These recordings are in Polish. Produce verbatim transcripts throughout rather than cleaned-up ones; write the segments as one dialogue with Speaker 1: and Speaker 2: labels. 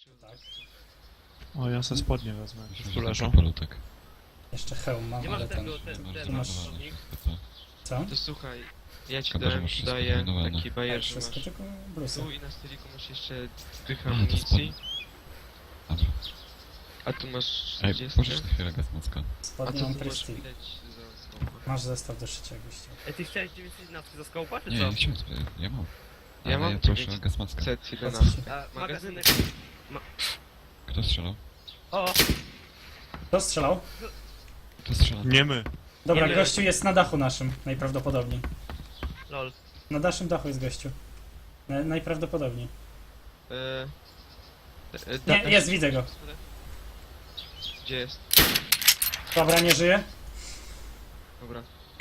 Speaker 1: Tak.
Speaker 2: O, ja se spodnie wezmę, jak tu leżą.
Speaker 3: Palutek.
Speaker 1: Jeszcze hełm mam,
Speaker 4: Nie
Speaker 1: ale
Speaker 4: masz
Speaker 1: ten...
Speaker 4: tego, ten,
Speaker 3: Masz
Speaker 4: ten,
Speaker 1: Tu masz-
Speaker 4: podnik?
Speaker 1: Co?
Speaker 4: To słuchaj, ja ci
Speaker 3: Szkoda, że
Speaker 4: dałem,
Speaker 3: masz wszystko
Speaker 4: daję
Speaker 3: wyeliminowane.
Speaker 4: taki bajer,
Speaker 1: Tak,
Speaker 4: że
Speaker 1: wszystko
Speaker 4: masz
Speaker 1: tylko brusy.
Speaker 4: tu i na stoliku masz jeszcze dych
Speaker 3: A, to
Speaker 4: amunicji,
Speaker 3: Dobra.
Speaker 4: a tu masz
Speaker 3: Ej,
Speaker 4: trzydzieści,
Speaker 3: pożycz na chwilę gazmocka.
Speaker 4: a
Speaker 1: Spodnie
Speaker 4: to
Speaker 1: mam
Speaker 4: tu masz
Speaker 1: Prestige.
Speaker 4: widać za skałką.
Speaker 1: Masz zestaw do szycia, jakbyś chciał.
Speaker 5: Ej, ty chciałeś dziewięćset jedenaście za skołpa, czy
Speaker 3: Nie,
Speaker 5: co?
Speaker 3: ja chciałem sobie, ja mam.
Speaker 4: Ja
Speaker 3: Ale
Speaker 4: mam
Speaker 3: ja proszę
Speaker 4: dziewięć-
Speaker 3: gazmocka.
Speaker 4: Set
Speaker 1: Po co
Speaker 4: jedenaście.
Speaker 1: ci?
Speaker 5: A,
Speaker 4: Magazynek.
Speaker 5: magazynek...
Speaker 3: Kto strzelał?
Speaker 5: O!
Speaker 1: Kto strzelał?
Speaker 3: Kto strzelał?
Speaker 2: Nie my.
Speaker 1: Dobra,
Speaker 5: Nie wiem.
Speaker 1: gościu jest na dachu naszym, najprawdopodobniej.
Speaker 5: Lol.
Speaker 1: Na naszym dachu jest gościu. Na, najprawdopodobniej.
Speaker 4: E, e,
Speaker 1: Nie,
Speaker 4: da-
Speaker 1: jest, widzę go.
Speaker 4: Gdzie jest?
Speaker 1: Dobra, nie żyje.
Speaker 4: Dobra.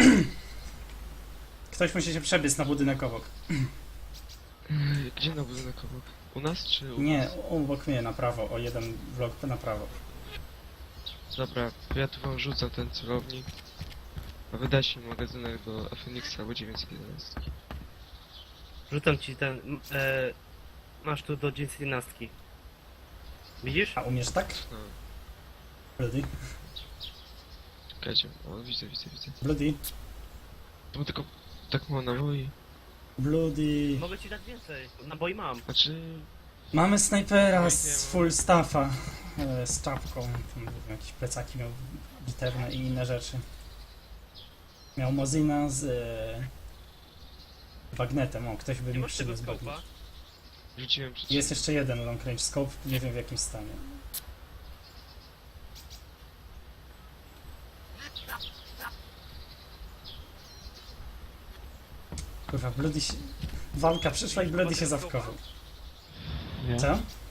Speaker 1: Ktoś musi się przebiec na budynek obok.
Speaker 4: Gdzie na budynek obok? U nas czy u
Speaker 1: Nie,
Speaker 4: nas?
Speaker 1: obok mnie, na prawo, o jeden blok na prawo.
Speaker 4: Dobra, to ja tu wam rzucam ten celownik. A wydać mi magazynek do Phoenixa albo dziewięćset jedenaście.
Speaker 5: Rzucam ci ten... m, E, masz tu do dziewięćset jedenaście. Widzisz?
Speaker 1: A umiesz tak?
Speaker 4: No,
Speaker 1: Bloody?
Speaker 4: czekajcie. O, widzę, widzę, widzę.
Speaker 1: Bloody?
Speaker 4: To było tylko tak mało naboi.
Speaker 1: Bloody?
Speaker 5: Mogę ci dać więcej. Naboi mam.
Speaker 4: Znaczy...
Speaker 1: Mamy snajpera
Speaker 4: Oj,
Speaker 1: z
Speaker 4: nie
Speaker 1: full staffa. e, Z czapką. Tam jakieś plecaki miał bitewne i inne rzeczy. Miał Mozina z... E, bagnetem. O, ktoś by
Speaker 5: Nie
Speaker 1: mi
Speaker 5: masz tego
Speaker 1: przyniósł bagnet.
Speaker 5: skołpa?
Speaker 4: Rzuciłem przed
Speaker 1: Jest jeszcze jeden long range scope, nie wiem w jakim stanie. Kurwa, Bloody się... Walka przyszła i Bloody się zawkował.
Speaker 2: Nie.
Speaker 1: Co?